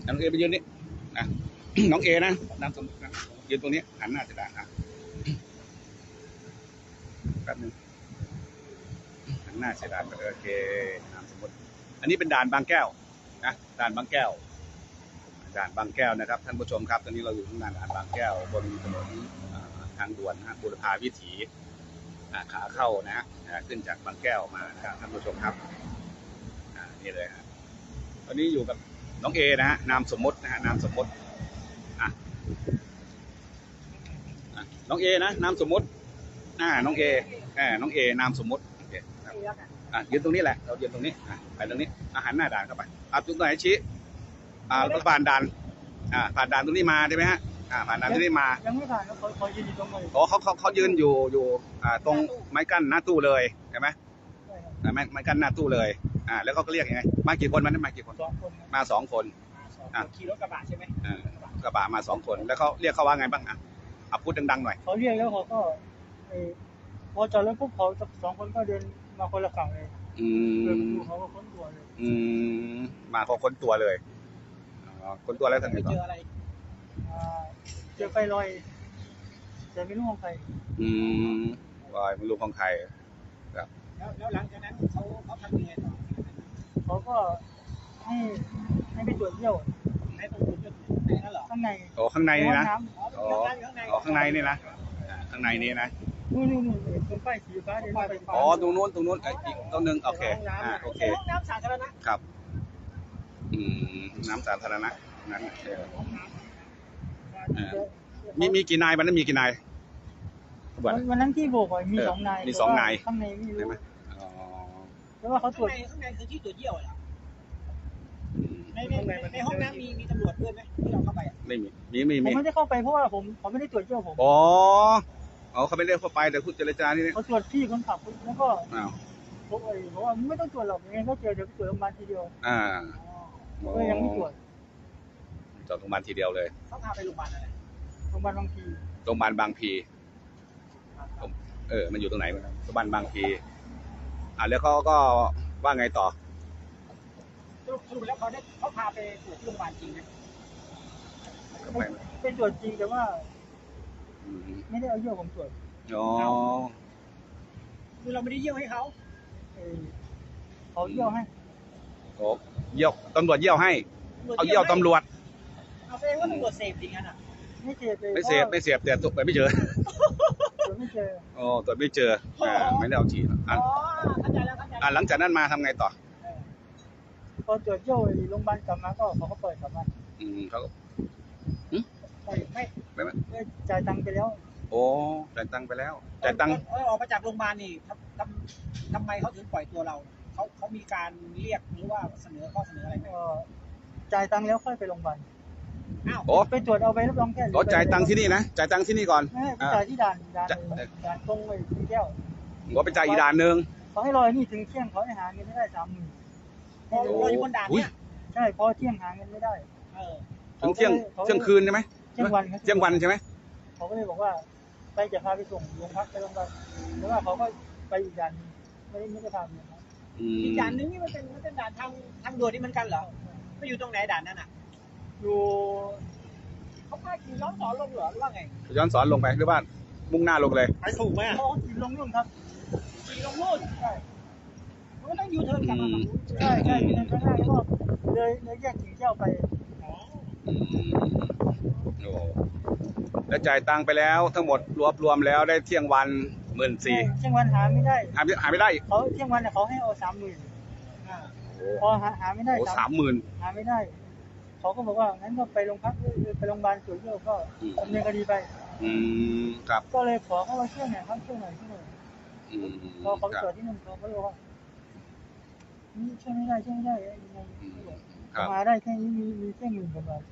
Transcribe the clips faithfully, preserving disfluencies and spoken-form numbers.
น้องเอไปยืนนี่นะน้องเอนะนามสมมตินะยืนตรงนี้หันหน้าจะด่าอ่ะแป๊บนึงหันหน้าเสียดายโอเคนามสมมติอันนี้เป็นด่านบางแก้วนะด่านบางแก้วด่านบางแก้วนะครับท่านผู้ชมครับตอนนี้เราอยู่ที่ด่านบางแก้วบนถนนทางด่วนนะบุรพาวิถีขาเข้านะฮะขึ้นจากบางแก้วมานะครับท่านผู้ชมครับนี่เลยฮะตอนนี้อยู่กับน้องเอนะฮะนามสมมตินะฮะนามสมมติอ่ะน้องเอนะนามสมมติอ่าน้องเอแหมน้องเอนามสมมติโอเคอ่ะยืนตรงนี้แหละเรายืนตรงนี้อ่ะไปตรงนี้อาหารหน้าด่านเข้าไปอ่ะจุดไหนชี้อ่าผ่านด่านอ่าผ่านด่านตรงนี้มาใช่ไหมฮะอ่าผ่านด่านตรงนี้มายังไม่ผ่านเขาเขายืนอยู่ตรงไหนอ๋อเขาเขาเขายืนอยู่อยู่อ่าตรงไม้กั้นหน้าตู้เลยใช่ไหมไม้ไม้กั้นหน้าตู้เลยอ่าแล้วเขาก็เรียกยังไงมากี่คนมันมากี่คนมาสองคนอ่าขี่รถกระบะใช่ไหมอ่ากระบะมาสองคนแล้วเขาเรียกเขาว่าไงบ้างอ่ะเอาพูดดังๆหน่อยเขาเรียกแล้วเขาก็พอจอดรถปุ๊บเขาสองคนก็เดินมาคนละฝั่งเลยอืมเขาก็ค้นตัวเลยอืมมาเขาค้นตัวเลยค้นตัวแล้วทำไงต่อเจออะไรเจอไฟลอยแต่ไม่รู้ของใครอืมลอยไม่รู้ของใครครับแล้วแล้วหลังจากนั้นเขาเขาทำยังไงต่อเขาก็ให้ให้ไปตรวจเยี่ยวให้ตรวจเยี่ยวนั่นเหรอข้างในโอ้ข้างในนี่นะอ๋อข้างในนี่นะข้างในนี้นะนู่นนู่นนู่นตรงป้ายสีฟ้าเดินไปอ๋อตรงนู้นตรงนู้นอีกต้นหนึ่งโอเคอ่าโอเคน้ำสาธารณะครับอืมน้ำสาธารณะนั้นมีมีกี่นายวันนั้นมีกี่นายวันนั้นที่โบกมีสองนายมีสองนายข้างในไม่รู้ใช่ไหมอ๋อแล้วว่าเขาตรวจข้างในคือที่ตรวจเยี่ยวเหรอในในในห้องน้ำมีมีตำรวจด้วยไหมที่เราเข้าไปไม่มีมีมีผมไม่ได้เข้าไปเพราะว่าผมเขาไม่ได้ตรวจเยี่ยวผมอ๋ออ๋อเขาไม่ได้เข้าไปแต่พูดเจรจานี่เขาตรวจที่คนขับแล้วก็อ้าวผมเออเพราะว่าไม่ต้องตรวจหรอกยังไงก็เจอเดี๋ยวไปตรวจโรงพยาบาลทีเดียวอ่าก็ยังไม่ตรวจจอดโรงพยาบาลทีเดียวเลยเขาพาไปโรงพยาบาลอะไรโรงพยาบาลบางพีโรงพยาบาลบางพีเออมันอยู่ตรงไหนโรงพยาบาลบางพีอ่าแล้วเขาก็ว่าไงต่อสรุปแล้วเขาได้เขาพาไปตรวจที่โรงพยาบาลจริงไหมไปตรวจจริงแต่ว่าไม่ได้เอาเยี่ยวผมตรวจอ๋อคือเราไม่ได้เยี่ยวให้เขาเขาเยี่ยวให้โอ้เยี่ยวตำรวจเยี่ยวให้เอาเยี่ยวตำรวจเอาแสดงว่าตำรวจเสพจริงอ่ะไม่เสพไม่เสพไม่เสพแต่ตัวไม่เจอตัวไม่เจอโอ้ตัวไม่เจออ่าไม่ได้เอาฉีดอ๋อเข้าใจแล้วเข้าใจอ่าหลังจากนั้นมาทำไงต่อพอตรวจเยี่ยวโรงพยาบาลกลับมาก็เขาก็เปิดกลับมาอืมเขาไม่ไม่ไม่จ่ายตังค์ไปแล้วโอ้จ่ายตังค์ไปแล้วจ่ายตังค์เออออกมาจากโรงพยาบาลนี่ทำทำไมเขาถึงปล่อยตัวเราเขาเขามีการเรียกหรือว่าเสนอข้อเสนออะไรไหมจ่ายตังค์แล้วค่อยไปโรงพยาบาลอ้าวไปตรวจเอาไปรับรองแพทย์ก็จ่ายตังค์ที่นี่นะจ่ายตังค์ที่นี่ก่อนไม่จ่ายที่ด่านด่านด่านตรงไปที่แก้วก็ไปจ่ายอีกด่านหนึ่งเขาให้รอนี่ถึงเที่ยงเขาให้หาเงินไม่ได้สามหมื่นเราอยู่บนด่านเนี่ยใช่พอเที่ยงหาเงินไม่ได้ถึงเที่ยงเที่ยงคืนใช่ไหมเที่ยงวันเที่ยงวันใช่ไหมเขาก็เลยบอกว่าไปจะพาไปส่งโรงพักไปโรงพยาบาลแล้วว่าเขาก็ไปอีกด่านไม่ได้ไม่ได้พาไปอีกด่านนึงนี่มันเป็นมันเป็นด่านทางทางด่วนนี่มันกันเหรอไปอยู่ตรงไหนด่านนั้นอ่ะอยู่เขาพาขี่ย้อนสอนลงเหรอหรือว่าไงย้อนสอนลงไปหรือว่ามุ่งหน้าลงเลยไปถูกไหมอ๋อขี่ลงนู่นครับขี่ลงนู่นใช่มันก็ต้องยูเทิร์นกลับมาใช่ใช่ยูเทิร์นข้างหน้าแล้วก็เลยเลยแยกถึงเจ้าไปอ๋อโอ้แล้วจ่ายตังค์ไปแล้วทั้งหมดรวบรวมแล้วได้เที่ยงวันหมื่นสี่เที่ยงวันหาไม่ได้หาหาไม่ได้เขาเที่ยงวันเนี่ยเขาให้เอาสามหมื่นพอหาหาไม่ได้สามหมื่นหาไม่ได้เขาก็บอกว่างั้นก็ไปโรงพักไปโรงพยาบาลตรวจเลือดก็ดำเนินคดีไปอืมครับก็เลยขอเขามาช่วยหน่อยครับช่วยหน่อยช่วยหน่อยพอเขาตรวจที่นั่นเขาก็บอกว่านี่ช่วยไม่ได้ช่วยไม่ได้ยังไงมาได้แค่นี้มีมีแค่หมื่นกว่าบาท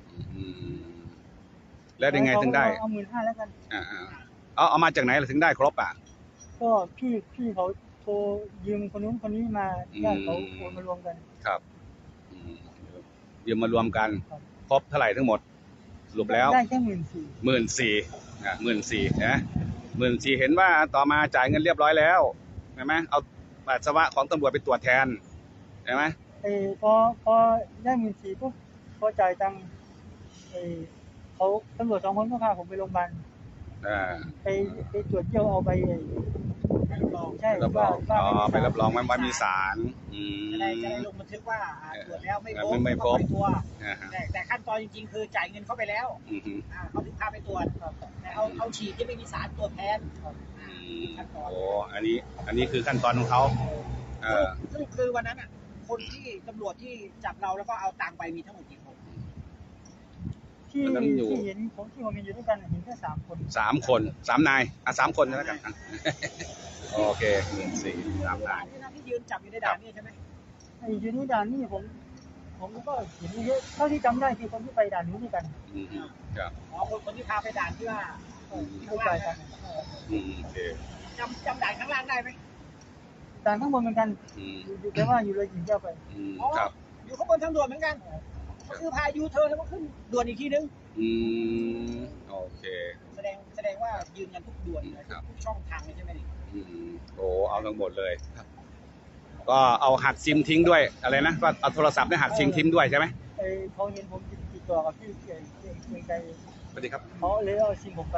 แล้วยังไงถึงได้เอาหมื่นห้าแล้วกันอ่าเอาเอามาจากไหนถึงได้ครบอ่ะก็พี่พี่เขาโทรยืมคนนู้นคนนี้มาญาติเขาโอนมารวมกันครับยืมมารวมกันครบเท่าไหร่ทั้งหมดสรุปแล้วได้แค่หมื่นสี่หมื่นสี่อ่ะหมื่นสี่นะหมื่นสี่เห็นว่าต่อมาจ่ายเงินเรียบร้อยแล้วใช่ไหมเอาปัสสาวะของตำรวจไปตรวจแทนใช่ไหมเออพอพอได้หมื่นสี่ปุ๊บพอจ่ายตังค์ไอ้เขาตำรวจสองคนก็พาผมไปโรงพยาบาลอ่าไปไปตรวจเยี่ยวเอาไปไอ้รับรองใช่รับรว่าองว่าอ๋อไม่มีไปรับรองว่าว่ามีสาร อืมจะได้จะได้ลงบันทึกว่าอ่าตรวจแล้วไม่พบไม่ไม่พบก็ปล่อยตัวอ่าฮะแต่แต่ขั้นตอนจริงๆ คือจ่ายเงินเข้าไปแล้วอือฮึอ่าเขาถึงพาไปตรวจแต่เอาเอาฉีดที่ไม่มีสารตรวจแทนอืมโอ้อันนี้ อันนี้คือขั้นตอนของเขาเออสรุปคือวันนั้นอ่ะคนที่ตำรวจที่จับเราแล้วก็เอาตังค์ไปมีทั้งหมดกี่คนที่วันนั้นอยู่ที่เห็นผมที่ผมเห็นอยู่ด้วยกันเห็นแค่สามคนสามคนสามนายอ่ะสามคนแล้วกันอ่ะโอเคหนึ่งสี่สามนายที่นั่นที่ยืนจับอยู่ในด่านนี่ใช่ไหมไอ้ยูนิด่านนี่ผมผมก็เห็นเยอะเท่าที่จำได้คือคนที่ไปด่านนู้นด้วยกันอืมครับอ๋อคนคนที่พาไปด่านที่ว่าเออที่เข้าข้างใจล่างกันะนเอออืมโอเคจำจำด่านข้างล่างได้ไหมด่านข้างบนเหมือนกันอืมอยู่แต่ว่าอยู่เลยหินเจ้าไปอืมอ๋อครับอยู่ข้างบนทางด่วนเหมือนกันก็คือพายูเทิร์นแล้วก็ขึ้นด่วนอีกทีนึงอืมโอเคแสดงแสดงว่ายืนกันทุกด่วนเลยครับทุกช่องทางเลยใช่ไหมนี่อืมโอ้เอาทั้งหมดเลย ก็เอาหักซิมทิ้งด้วยอะไรนะก็เอาโทรศัพท์เนี่ยหักซิมทิ้งด้วยใช่ไหมไอ้เขาเห็นผมติดต่อกับที่เกียเกียเกียงไกรสวัสดีครับเขาเลยเอาซิมผมไป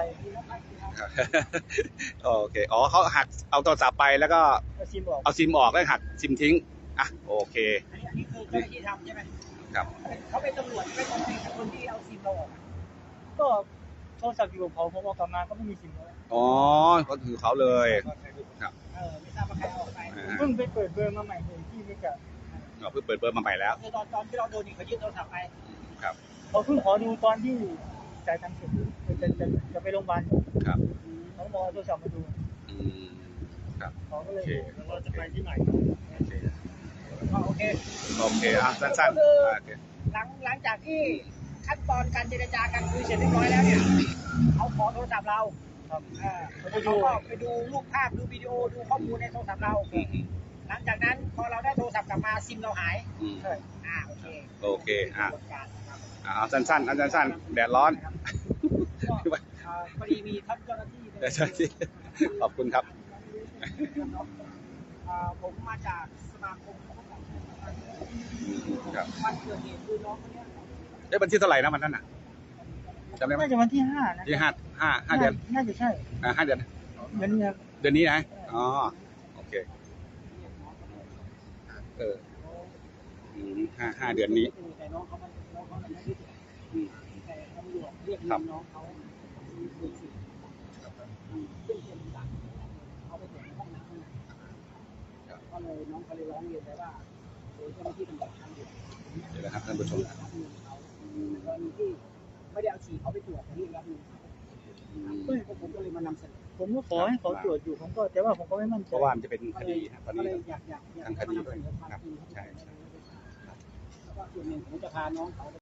โอเคอ๋อเขาหักเอาโทรศัพท์ไปแล้วก็เอาซิมออกเอาซิมออกแล้วหักซิมทิ้งอ่ะโอเคอันนี้อันนี้คือเจ้าหน้าที่ทำใช่ไหมครับเขาเป็นตำรวจไม่ต้องเป็นคนที่เอาซิมเราออกก็โทรศัพท์อยู่กับเขาผมเอากลับมาก็ไม่มีซิมแล้วอ๋อก็คือเขาเลยครับเออไม่ทราบว่าใครเอาออกไปอ่าเพิ่งไปเปิดเบอร์มาใหม่เลยที่ไม่กับเราเพิ่งเปิดเบอร์มาใหม่แล้วคือตอนตอนที่เราโดนนี่เขายึดโทรศัพท์ไปครับเขาเพิ่งขอดูตอนที่จ่ายตังค์เสร็จจะจะจะไปโรงพยาบาลครับเขาบอกเอาโทรศัพท์มาดูอืมครับเขาก็โอเลยเคเราจะไปที่ไหนโอเคก็โอเคโอเคอ่ะสั้นๆอ่ะโอเคหลังหลังจากที่ขั้นตอนการเจรจากันคุยเสร็จเรียบร้อยแล้วเนี่ยเขาขอโทรศัพท์เราครับเออเขาก็ไปดูรูปภาพดูวิดีโอดูข้อมูลในโทรศัพท์เราอืมอืมหลังจากนั้นพอเราได้โทรศัพท์กลับมาซิมเราหายอืมใช่อ่าโอเคโอเคอ่ะกระบวนการนะครับอ่ะเอาสั้นๆเอาสั้นๆแดดร้อนก็อ่าพอดีมีท่านเจ้าหน้าที่แดดร้อนที่ขอบคุณครับอ่าผมมาจากสมาคมเขาก็บอกอืมครับวันเกิดเหตุคือน้องคนเนี้ยเอ้ยวันที่เท่าไหร่นะวันนั้นน่ะจำได้ไหมน่าจะวันที่ห้านะที่ห้าห้าห้าเดือนน่าจะใช่อ่าห้าเดือนเดือนนี้ครับเดือนนี้นะอ๋อโอเคเอออืมห้าห้าเดือนนี้แต่น้องเขามันน้องเขามันไม่ได้อืมแต่ตำรวจเรียกครับน้องเขาดูสิอืมซึ่งเป็นหลักเขาไปตรวจในห้องน้ำข้างในครับก็เลยน้องเขาเลยร้องเรียนไปว่าโดยเจ้าหน้าที่ตำรวจทางด่วนเดี๋ยวนะครับท่านผู้ชมเรียกรับเงินเขาในกรณีที่ไม่ได้เอาฉี่เขาไปตรวจแต่เรียกรับเงินเขาอืมซึ่งผมก็เลยมานำเสนอผมก็ขอให้เขาตรวจอยู่ผมก็แต่ว่าผมก็ไม่มั่นใจเพราะว่ามันจะเป็นคดีฮะตอนก็นี้เลยอยากอยากอยากทางคดีด้วยมานำเสนอความครับจริงให้ใช่ได้รู้ได้ทราบแล้วก็ส่วนหนึ่งผมจะพาน้องเขา